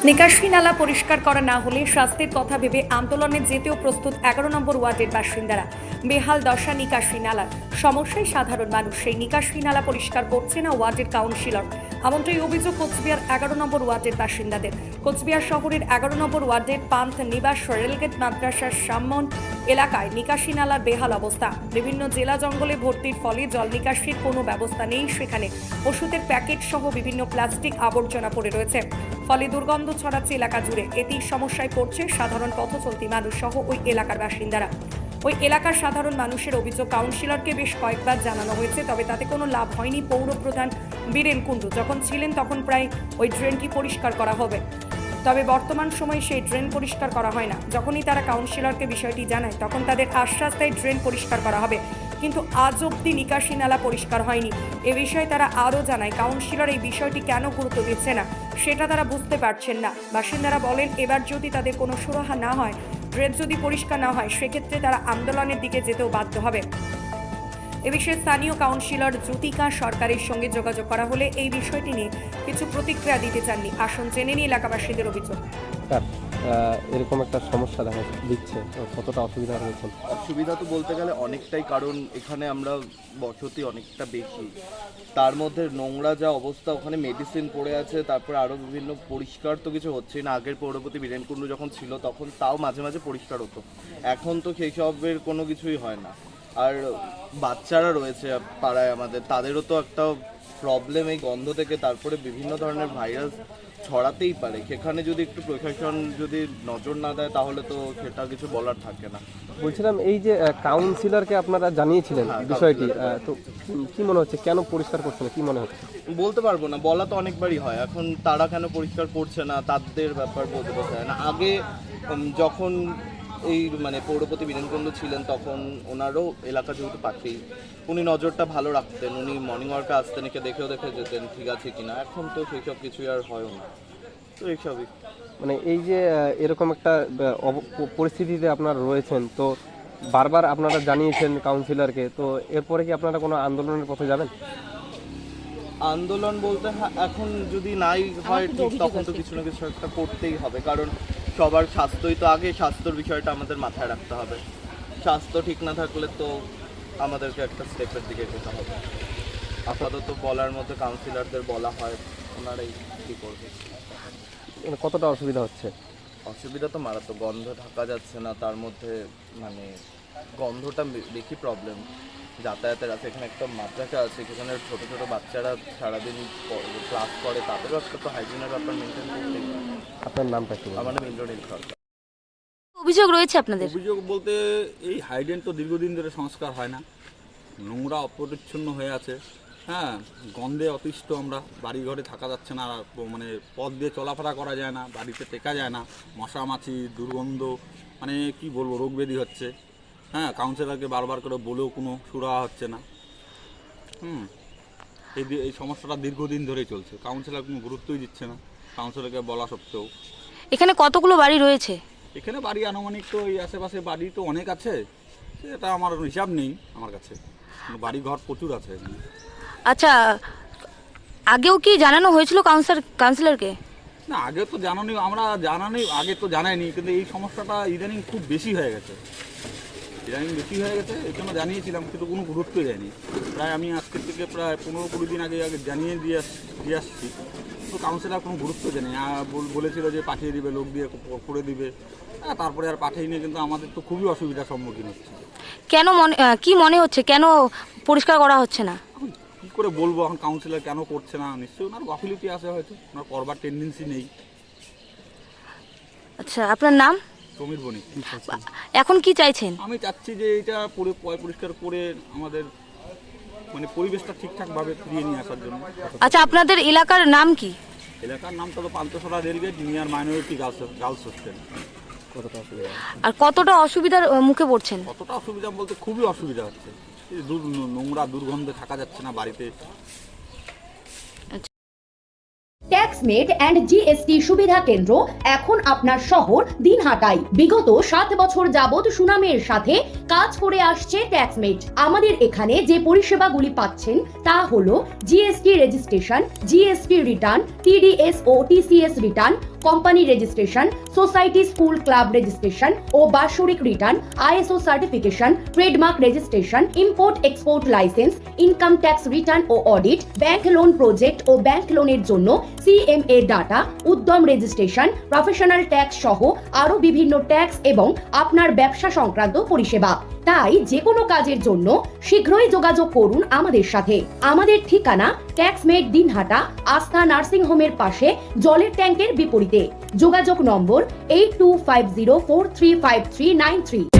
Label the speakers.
Speaker 1: নিকাশি নালা পরিষ্কার করা না হলে শাস্তির কথা ভেবে আন্দোলনে যেতেও প্রস্তুত 11 নম্বর ওয়ার্ডের বাসিন্দারা। বেহাল দশা নিকাশি নালার সমস্যায় সাধারণ মানুষ, সেই নিকাশি নালা পরিষ্কার করছে না ওয়ার্ডের কাউন্সিলর। এমনটাই অভিযোগ কোচবিহার 11 নম্বর ওয়ার্ডের বাসিন্দাদের। কোচবিহার শহরের 11 নম্বর ওয়ার্ডের পান্থ নিবাস রেলগেট মাদ্রাসার সামন এলাকায় নিকাশি নালার বেহাল অবস্থা। বিভিন্ন জেলা জঙ্গলে ভর্তির ফলে জল নিকাশির কোনো ব্যবস্থা নেই সেখানে। ওষুধের প্যাকেট সহ বিভিন্ন প্লাস্টিক আবর্জনা পড়ে রয়েছে, ফলে দুর্গন্ধ ছড়াচ্ছে এলাকা জুড়ে। এতেই সমস্যায় পড়ছে সাধারণ পথচলতি মানুষ সহ ওই এলাকার বাসিন্দারা। ওই এলাকার সাধারণ মানুষের অভিযোগ, কাউন্সিলরকে বেশ কয়েকবার জানানো হয়েছে, তবে তাতে কোনো লাভ হয়নি। পৌরপ্রধান বীরেন কুণ্ডু যখন ছিলেন তখন প্রায় ওই ড্রেনটি পরিষ্কার করা হবে, তবে বর্তমান সময়ে সেই ড্রেন পরিষ্কার করা হয় না। যখনই তারা কাউন্সিলরকে বিষয়টি জানায় তখন তাদের আশ্বাস দেয় ড্রেন পরিষ্কার করা হবে, কিন্তু আজ অবধি নিকাশি নালা পরিষ্কার হয়নি। এ বিষয়ে তারা আরও জানায়, কাউন্সিলর এই বিষয়টি কেন গুরুত্ব দিচ্ছে না সেটা তারা বুঝতে পারছেন না। বাসিন্দারা বলেন, এবার যদি তাদের কোনো সুরাহা না হয়, ড্রেন যদি পরিষ্কার না হয়, সেক্ষেত্রে তারা আন্দোলনের দিকে যেতেও বাধ্য হবে। এ বিষয়ে স্থানীয় কাউন্সিলর জ্যোতিকা সরকারের সঙ্গে যোগাযোগ করা হলে এই বিষয়টি নিয়ে কিছু প্রতিক্রিয়া দিতে চাননি। আসুন জেনে নিই এলাকাবাসীদের অভিযোগ।
Speaker 2: এরকম একটা সমস্যা দেখা দিচ্ছে, কতটা অসুবিধা হয়েছে?
Speaker 3: অসুবিধা তো বলতে গেলে অনেকটাই, কারণ এখানে আমরা বসতি অনেকটা বেশি, তার মধ্যে নোংরা যা অবস্থা, ওখানে মেডিসিন পড়ে আছে, তারপরে আরও বিভিন্ন পরিষ্কার তো কিছু হচ্ছে না। আগের পৌরপতি বীরেন কুণ্ডু যখন ছিল তখন তাও মাঝে মাঝে পরিষ্কার হতো, এখন তো সেই সবের কোনো কিছুই হয় না। আর বাচ্চারা রয়েছে পাড়ায় আমাদের, তাদেরও তো একটা প্রবলেম এই গন্ধ থেকে, তারপরে বিভিন্ন ধরনের ভাইরাস ছড়াতেই পারে। সেখানে যদি একটু প্রশাসন যদি নজর না দেয় তাহলে তো সেটা কিছু বলার থাকে না।
Speaker 2: বলছিলাম, এই যে কাউন্সিলরকে আপনারা জানিয়েছিলেন বিষয়টি, তো কি মনে হচ্ছে কেন পরিষ্কার করছে না, কি মনে হচ্ছে?
Speaker 3: বলতে পারবো না, বলা তো অনেকবারই হয়, এখন তারা কেন পরিষ্কার করছে না তাদের ব্যাপার বলতে পারছে না। আগে যখন এই পৌরপতি বীরেন কুণ্ডু ছিলেন তখন ওনারও এলাকা যেহেতু পাশেই, উনি নজরটা ভালো রাখতেন, উনি মর্নিং ওয়ার্কে আসতেন, একে দেখে যেতেন ঠিক আছে কিনা। এখন তো সেই সব কিছুই আর হয় না, তো এইসবই।
Speaker 2: এই যে এরকম একটা পরিস্থিতিতে আপনারা রয়েছেন, তো বারবার আপনারা জানিয়েছেন কাউন্সিলরকে, তো এরপরে কি আপনারা কোনো আন্দোলনের পথে যাবেন?
Speaker 3: আন্দোলন বলতে এখন যদি নাই হয় ঠিক, তখন তো কিছু না কিছু একটা করতেই হবে, কারণ সবার স্বাস্থ্যই তো আগে, স্বাস্থ্যর বিষয়টা আমাদের মাথায় রাখতে হবে। স্বাস্থ্য ঠিক না থাকলে তো আমাদেরকে একটা স্টেপের দিকে যেতে হবে। আপাতত বলার মতো কাউন্সিলরদের বলা হয়, ওনারাই কী করবে।
Speaker 2: কতটা অসুবিধা হচ্ছে?
Speaker 3: অসুবিধা তো মারাত্মক, গন্ধ ঢাকা যাচ্ছে না, তার মধ্যে গন্ধটা বেশি প্রবলেম। যাতায়াতের আছে, এখানে একটা মাদ্রাসা আছে, সেখানে ছোটো ছোটো বাচ্চারা সারাদিন ক্লাস করে, তাদেরও একটা তো হাইজিনের ব্যাপার মেনটেন করতে।
Speaker 2: আপনার নামটা কি?
Speaker 3: আমার নাম ইন্দ্রনীল সরকার।
Speaker 4: অভিযোগ রয়েছে আপনাদের?
Speaker 5: অভিযোগ বলতে এই হাইড্রেন তো দীর্ঘদিন ধরে সংস্কার হয় না, নোংরা অপরিচ্ছন্ন হয়ে আছে। হ্যাঁ, গন্ধে অতিষ্ঠ আমরা, বাড়ি ঘরে থাকা যাচ্ছে না, পথ দিয়ে চলাফেরা করা যায় না, বাড়িতে টেকা যায় না, মশা মাছি, দুর্গন্ধ, কি বলবো, রোগ ব্যাধি হচ্ছে। হ্যাঁ, কাউন্সিলরকে বারবার করে বলেও কোনো সুরাহা হচ্ছে না। এই সমস্যাটা দীর্ঘদিন ধরেই চলছে, কাউন্সিলর কোনো গুরুত্বই দিচ্ছে না, কাউন্সিলরকে বলা সত্ত্বেও।
Speaker 4: এখানে কতগুলো বাড়ি রয়েছে?
Speaker 5: এখানে বাড়ি আনুমানিক তো এই আশেপাশে বাড়ি তো অনেক আছে, সেটা আমার হিসাব নেই আমার কাছে, বাড়ি ঘর প্রচুর আছে এখানে।
Speaker 4: আচ্ছা, আগেও কি জানানো হয়েছিল কাউন্সিলরকে?
Speaker 5: না, আগে তো আগে তো জানাইনি, কিন্তু এই সমস্যাটা ইদানিং খুব বেশি হয়ে গেছে, এই জন্য জানিয়েছিলাম, কিন্তু কোনো গুরুত্বই দেয়নি। প্রায় আমি আজকের থেকে প্রায় 15-20 দিন আগে জানিয়ে দিয়ে আসছি, তো কাউন্সিলর কোনো গুরুত্ব দেয়নি। বলেছিল যে পাঠিয়ে দিবে, লোক দিয়ে করে দিবে, তারপরে আর পাঠিয়ে, কিন্তু আমাদের তো খুবই অসুবিধার সম্মুখীন হচ্ছে।
Speaker 4: কেন কি মনে হচ্ছে, কেন পরিষ্কার করা হচ্ছে না?
Speaker 5: কী করে বলবো এখন কাউন্সিলর কেন করছে না? নিশ্চয়ই ওনার গাফিলতি আছে, হয়তো ওনার করবার টেন্ডেন্সি নেই।
Speaker 4: আচ্ছা, আপনার নাম?
Speaker 5: সমীর বণিক।
Speaker 4: এখন কি চাইছেন?
Speaker 5: আমি চাচ্ছি যে এটা পরিষ্কার করে আমাদের পরিবেশটা ঠিকঠাকভাবে ফিরিয়ে নিয়ে আসার জন্য।
Speaker 4: আচ্ছা, আপনাদের এলাকার নাম কি?
Speaker 5: এলাকার নামটা তো Panthashala rail gate near minority girls hostel.
Speaker 4: আর কতটা অসুবিধার মুখে পড়ছেন?
Speaker 5: কতটা অসুবিধা বলতে খুবই অসুবিধা হচ্ছে, নোংরা দুর্গন্ধে থাকা যাচ্ছে না বাড়িতে।
Speaker 6: ট্যাক্সমেট অ্যান্ড জিএসটি সুবিধা কেন্দ্র এখন আপনার শহর দিনহাটায়। বিগত 7 বছর যাবৎ সুনামের সাথে কাজ করে আসছে ট্যাক্সমেট। আমাদের এখানে যে পরিষেবাগুলি পাচ্ছেন তা হলো GST registration, GST return, TDS ও TCS return, company registration, society school club registration ও বাৎসরিক return, ISO certification, trademark registration, import export licence, income tax return ও অডিট, ব্যাংক লোন প্রজেক্ট ও ব্যাংক লোনের জন্য CMA data, Udyam registration, professional tax সহ আরো বিভিন্ন ট্যাক্স এবং আপনার ব্যবসা সংক্রান্ত পরিষেবা। তাই যে কোনো কাজের জন্য শীঘ্রই যোগাযোগ করুন আমাদের সাথে। আমাদের ঠিকানা ট্যাক্সমেট দিনহাটা, আস্থা নার্সিং হোমের পাশে, জলের ট্যাঙ্কের বিপরীতে। যোগাযোগ নম্বর 8250435393।